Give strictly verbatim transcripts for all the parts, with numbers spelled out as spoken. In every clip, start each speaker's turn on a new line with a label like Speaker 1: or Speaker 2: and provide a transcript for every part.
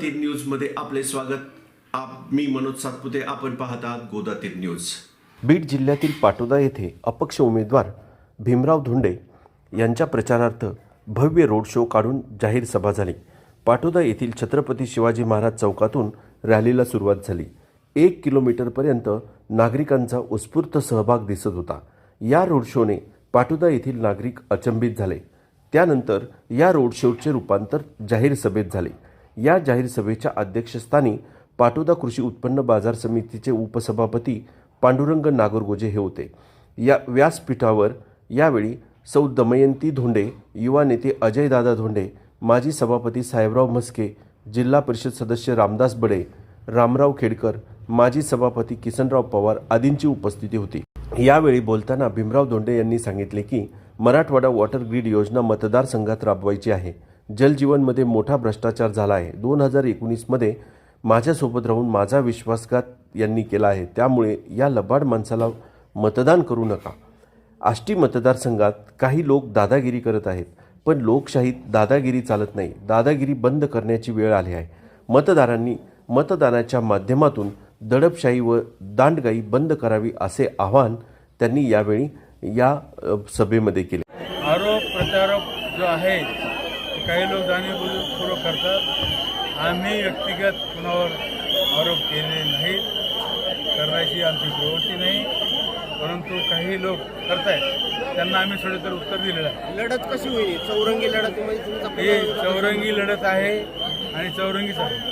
Speaker 1: गोदातीर news मध्ये आपले स्वागत. आप मी मनोज सातपुते. आपण पाहत आहात गोदातीर न्यूज.
Speaker 2: बीड जिल्ह्यातील पाटोदा येथे अपक्ष उमेदवार भीमराव धोंडे यांच्या प्रचारार्थ भव्य रोड शो काढून जाहीर सभा झाली. पाटोदा येथील छत्रपती शिवाजी महाराज चौकातून रॅलीला सुरुवात झाली. एक किलोमीटरपर्यंत नागरिकांचा उत्स्फूर्त सहभाग दिसत होता. या रोड शोने पाटोदा येथील नागरिक अचंबित झाले. त्यानंतर या रोड शोचे रूपांतर जाहीर सभेत झाले. या जाहीर सभेच्या अध्यक्षस्थानी पाटोदा कृषी उत्पन्न बाजार समितीचे उपसभापती पांडुरंग नागरगोजे हे होते. या व्यासपीठावर यावेळी सौ दमयंती धोंडे, युवा नेते अजयदादा धोंडे, माजी सभापती साहेबराव म्हस्के, जिल्हा परिषद सदस्य रामदास बडे, रामराव खेडकर, माजी सभापती किसनराव पवार आदींची उपस्थिती होती. यावेळी बोलताना भीमराव धोंडे यांनी सांगितले की मराठवाडा वॉटर ग्रीड योजना मतदारसंघात राबवायची आहे. जलजीवनमध्ये मोठा भ्रष्टाचार झाला आहे. दोन हजार एकोणीसमध्ये माझ्यासोबत राहून माझा विश्वासघात यांनी केला आहे. त्यामुळे या लबाड माणसाला मतदान करू नका. आष्टी मतदारसंघात काही लोक दादागिरी करत आहेत, पण लोकशाहीत दादागिरी चालत नाही. दादागिरी बंद करण्याची वेळ आली आहे. मतदारांनी मतदानाच्या माध्यमातून दडपशाही व दांडगाई बंद करावी असे आवाहन त्यांनी यावेळी या सभेमध्ये केले.
Speaker 3: आरोप प्रत्यारोप जो आहे काही लोक जाणीवपूर्वक करतात. आम्ही व्यक्तिगत कुणावर आरोप केले नाहीत, करण्याची आमची प्रवृत्ती नाही, परंतु काही लोक करतायत त्यांना आम्ही सडेतर उत्तर दिलेलं आहे.
Speaker 4: लढत कशी होईल? चौरंगी लढत
Speaker 3: ही चौरंगी लढत आहे आणि चौरंगीच आहे.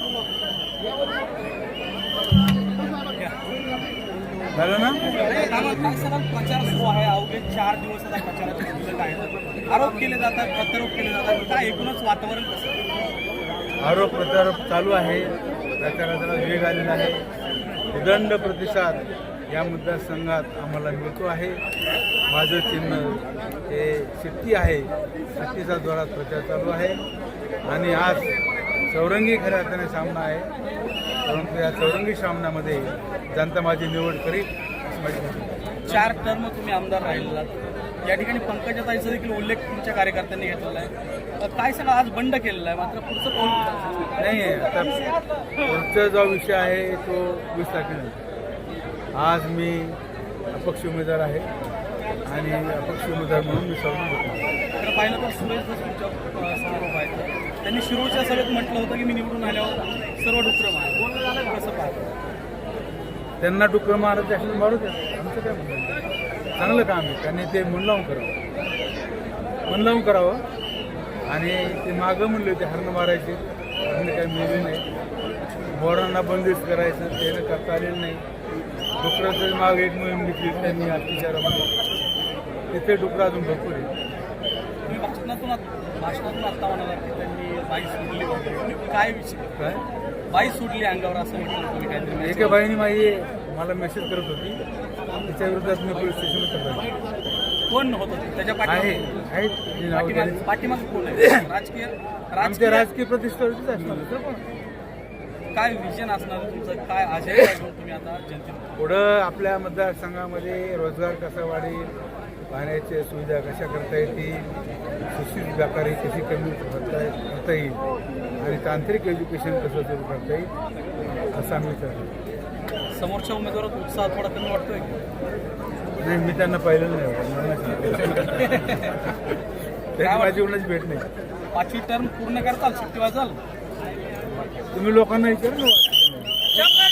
Speaker 3: झालं ना?
Speaker 4: प्रचार सुरू आहे. अवघे चार दिवस प्रचाराचे आरोप केले जातात, प्रत्यारोप केले जातात. काय एकूणच वातावरण कसं?
Speaker 3: आरोप प्रत्यारोप चालू आहे. प्रचाराला वेग आलेला आहे. उदंड प्रतिसाद या मतदारसंघात आम्हाला मिळतो आहे. माझं चिन्ह हे शेती आहे. शेतीचा जोरात प्रचार चालू आहे आणि आज चौरंगी खऱ्या अर्थाने सामना आहे. परंतु या चौरंगी सामन्यामध्ये जनता माझी निवड करील अशी माझी माहिती.
Speaker 4: चार टर्म तुम्ही आमदार राहिलेला, या ठिकाणी पंकजाताईचा देखील उल्लेख तुमच्या कार्यकर्त्यांनी घेतलेला आहे. काय सगळं आज बंड केलेला आहे, मात्र पुढचं कोण
Speaker 3: नाही. आता पुढचा जो विषय आहे तो वीस तारखेनंतर. आज मी अपक्ष उमेदवार आहे आणि अपक्ष उमेदवार म्हणून मी सर्व
Speaker 4: तर पाहिलं तर सुरेश तुमच्या समारोप आहे. त्यांनी शिरूरच्या सभेत म्हटलं होतं की मी निवडून आल्यावर सर्व डुक्कर मार. कसं पाहतो?
Speaker 3: त्यांना डुक्कर मारत असेल मारू द्या. आमचं काय म्हणणं, चांगलं काम आहे. त्यांनी ते मन लावून करावं, मन लावून करावं. आणि ते मागं म्हणले होते हरणं मारायचे, हरणं काही मिळले नाही. बोरांना बंदिस्त करायचं, ते करता आलेलं नाही. डुकराचं माग एक मोहीम घेतली त्यांनी अतिचारामध्ये. तिथे डुकरं अजून भरपूर आहे.
Speaker 4: तुम्ही भाषणातून भाषणातून आत्ता म्हणाला की त्यांनी बाई सोडली वगैरे. काय विषय?
Speaker 3: काय
Speaker 4: बाई सोडली अंगावर असं म्हटलं तुम्ही काहीतरी?
Speaker 3: एका बाईने माझी मला मेसेज करत होती, त्याच्या विरोधात मी पोलीस स्टेशनला तक्रार.
Speaker 4: कोण होतं त्याच्या
Speaker 3: आहे आहेत जी नावं
Speaker 4: पाठीमाग
Speaker 3: दिली.
Speaker 4: पाठीमाग कोण आहे? राजकीय
Speaker 3: आमच्या
Speaker 4: राजकीय
Speaker 3: राजकीय प्रतिष्ठेवरतीच असणार दुसरं कोण?
Speaker 4: काय विजन असणार तुमचं? काय आशय घेऊन तुम्ही आता जनतेला?
Speaker 3: पुढं आपल्या मतदारसंघामध्ये रोजगार कसा वाढेल, पाण्याच्या सुविधा कशा करता येतील, सुशिक्षित व्यापारी कशी कमी करता करता येईल आणि तांत्रिक एज्युकेशन कसं सुरू करता येईल असं आम्ही विचारतो.
Speaker 4: समोरच्या उमेदवारात उत्साह थोडा कमी वाटतोय की?
Speaker 3: नाही, मी त्यांना पाहिलं नाही. त्याची माझी कोणाची भेट नाही.
Speaker 4: पाचवी टर्म पूर्ण करताल, सुट्टी वाजाल?
Speaker 3: तुम्ही लोकांना विचारा ना.